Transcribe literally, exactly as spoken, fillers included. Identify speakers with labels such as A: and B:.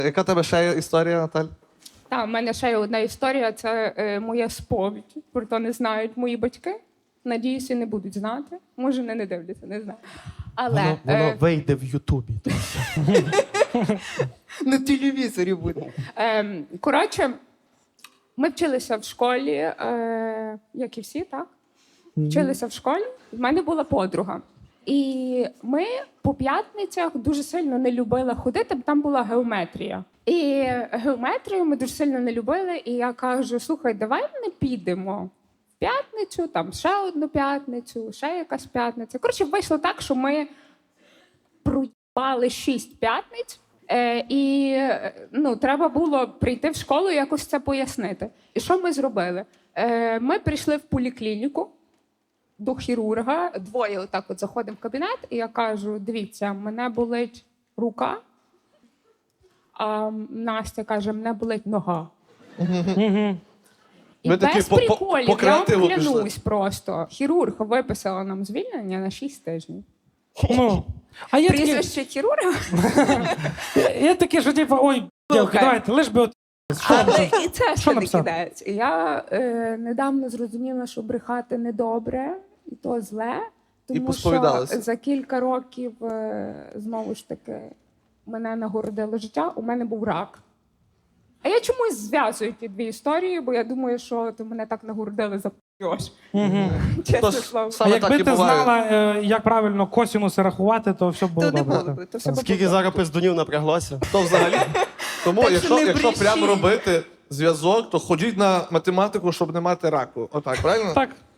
A: Яка в тебе ще є історія, Наталь?
B: Так, в мене ще є одна історія, це е, моя сповідь. Про то не знають мої батьки. Надіюся, не будуть знати. Може, вони не дивляться, не знаю. Але
C: Воно, воно
B: е,
C: вийде в Ютубі.
D: На телевізорі буде.
B: е, коротше, ми вчилися в школі, е, як і всі, так? Вчилися в школі. В мене була подруга. І ми по п'ятницях дуже сильно не любили ходити, бо там була геометрія. І геометрію ми дуже сильно не любили. І я кажу: слухай, давай ми підемо в п'ятницю, там ще одну п'ятницю, ще якась п'ятниця. Коротше, вийшло так, що ми проїбали шість п'ятниць. Е, і ну, треба було прийти в школу і якось це пояснити. І що ми зробили? Е, ми прийшли в поліклініку до хірурга, двоє отак от заходимо в кабінет, і я кажу: дивіться, мене болить рука, а Настя каже: мене болить нога. І
A: Ви такі
B: без
A: по- по-
B: приколів,
A: по
B: я
A: креативу
B: вам
A: пішли.
B: клянусь просто. Хірург виписала нам звільнення на шість тижнів.
E: Ну, а я такий,
B: Прізвище хірурга,
E: я такий, що типу, ой, дівки,
B: Слухай.
E: давайте, лиш би от...
B: але і це
E: Що
B: ще не
E: написав?
B: кидається. І я е, недавно зрозуміла, що брехати недобре, і то зле.
A: І
B: Тому що
A: посповідалася.
B: за кілька років, е, знову ж таки, мене нагородило життя, у мене був рак. А я чомусь зв'язую ті дві історії, бо я думаю, що ти мене так нагородили за п***йош. Чесне
A: Тож,
B: слово.
E: А
A: саме так
E: якби
A: і
E: ти
A: буває.
E: знала, е, як правильно косінуси рахувати, то все б було
B: То не
E: добре.
B: було би, то все би
C: Скільки
B: було.
C: зараз пиздунів напряглося?
A: То взагалі. Тому,
B: Так що
A: якщо,
B: не
A: якщо
B: брешіть.
A: прямо робити зв'язок, то ходіть на математику, щоб не мати раку. Отак, правильно?
E: Так.